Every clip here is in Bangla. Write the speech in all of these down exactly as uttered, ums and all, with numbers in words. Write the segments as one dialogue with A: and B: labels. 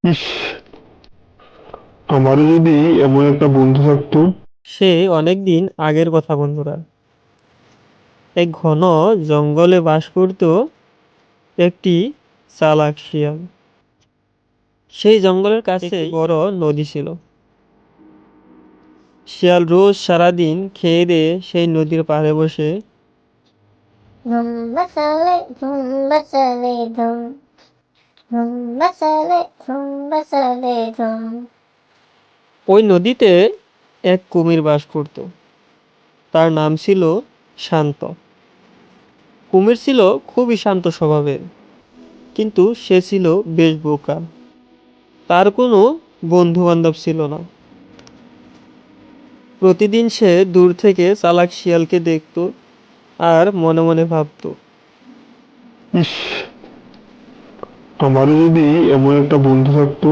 A: ইস, আমারও যদি এমন একটা বন্ধু থাকতো।
B: সে অনেক দিন আগের কথা বন্ধুরা। এক ঘন জঙ্গলে বাস করত একটি চালাক শিয়াল। সেই জঙ্গলের কাছে বড় নদী ছিল। শিয়াল রোজ সারাদিন খেয়ে দিয়ে সেই নদীর পাড়ে বসে
C: ধুম মচালে ধুম মচালে ধুম ধুম মচালে ধুম মচালে ধুম।
B: ওই নদীতে এক কুমির বাস করত। তার নাম ছিল শান্ত। কুমির ছিল খুবই শান্ত স্বভাবের, কিন্তু সে ছিল বেশ বোকা। তার কোনো বন্ধু বান্ধব ছিল না। প্রতিদিন সে দূর থেকে চালাক শিয়ালকে দেখত আর মনে মনে ভাবত,
A: ইস, আমারও যদি এমন একটা বন্ধু থাকতো।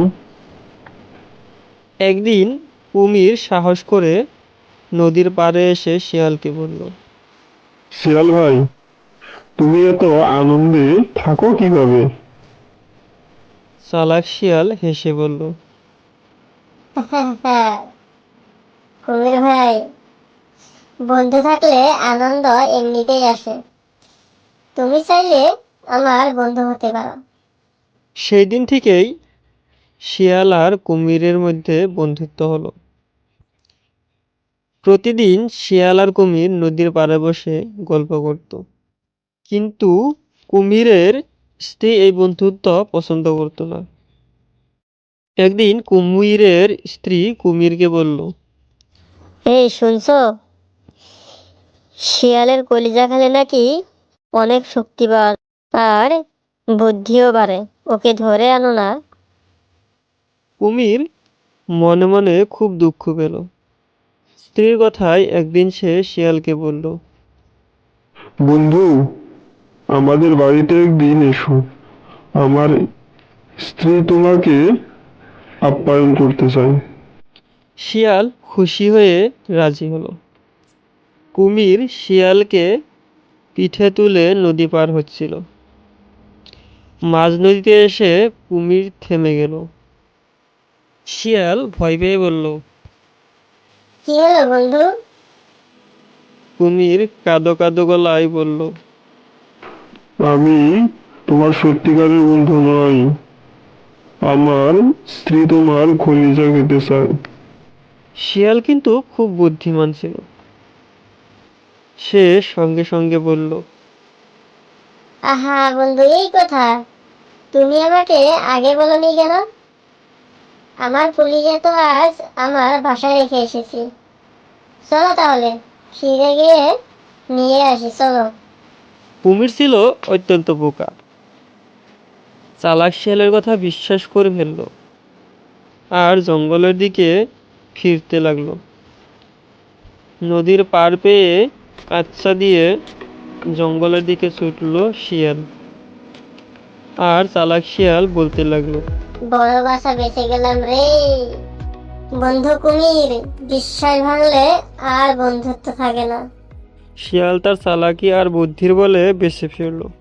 B: একদিন কুমির সাহস করে নদীর পাড়ে এসে শিয়ালকে বলল,
A: শিয়াল ভাই, তুমি এত আনন্দে থাকো কিভাবে?
B: চালাক শিয়াল হেসে বলল,
C: কুমির ভাই, বন্ধু থাকলে আনন্দ এমনিতেই আসে। তুমি চাইলে আমার বন্ধু হতে পারো।
B: সেই দিন থেকেই শিয়াল আর কুমিরের মধ্যে বন্ধুত্ব হলো। প্রতিদিন শিয়াল আর কুমির নদীর পাড়ে বসে গল্প করত, কিন্তু কুমিরের স্ত্রী এই বন্ধুত্ব পছন্দ করতো না। একদিন কুমিরের স্ত্রী কুমিরকে বলল,
C: এই শুনছো, শিয়ালের কলিজা খেলে নাকি অনেক শক্তিবান আর বুদ্ধিও বাড়ে। ওকে ধরে আনো না।
B: কুমির মনে মনে খুব দুঃখ পেল। স্ত্রীর কথায় একদিন সে শিয়ালকে বলল,
A: বন্ধু, আমাদের বাড়িতে একদিন এসো। আমার স্ত্রী তোমাকে আপ্যায়ন করতে চায়।
B: শিয়াল খুশি হয়ে রাজি হলো। কুমির শিয়ালকে পিঠে তুলে নদী পার হচ্ছিল। মাঝ নদীতে এসে কুমির থেমে গেল। শিয়াল ভয় পেয়ে বলল,
C: কি হলো বন্ধু?
B: কুমির কাঁদো কাঁদো গলায় বলল,
A: আমি তোমার সত্যিকারের বন্ধু নই। আমার স্ত্রী তোমার কলিজা খেতে চায়।
B: শিয়াল কিন্তু খুব বুদ্ধিমান ছিল। সে সঙ্গে সঙ্গে বলল,
C: আহা বন্ধু, এই কথা তুমি আমাকে আগে বলনি কেন? আমার কলিজা তো আজ আমার বাসায় রেখে এসেছি। চলো তাহলে ফিরে গিয়ে নিয়ে আসি, চলো।
B: কুমির ছিল অত্যন্ত বোকা। চালাক শিয়ালের কথা বিশ্বাস করে ফেলল আর জঙ্গলের দিকে ফিরতে লাগলো। নদীর পার পেয়ে আচ্ছা দিয়ে জঙ্গলের দিকে ছুটল শিয়াল। আর চালাক শিয়াল বলতে লাগলো,
C: বড় বাসা বেঁচে গেলাম রে। বন্ধু কুমির, বিশ্বাস ভাঙলে আর বন্ধুত্ব থাকে না।
B: শিয়াল তার চালাকি আর বুদ্ধির বলে বেঁচে ফিরল।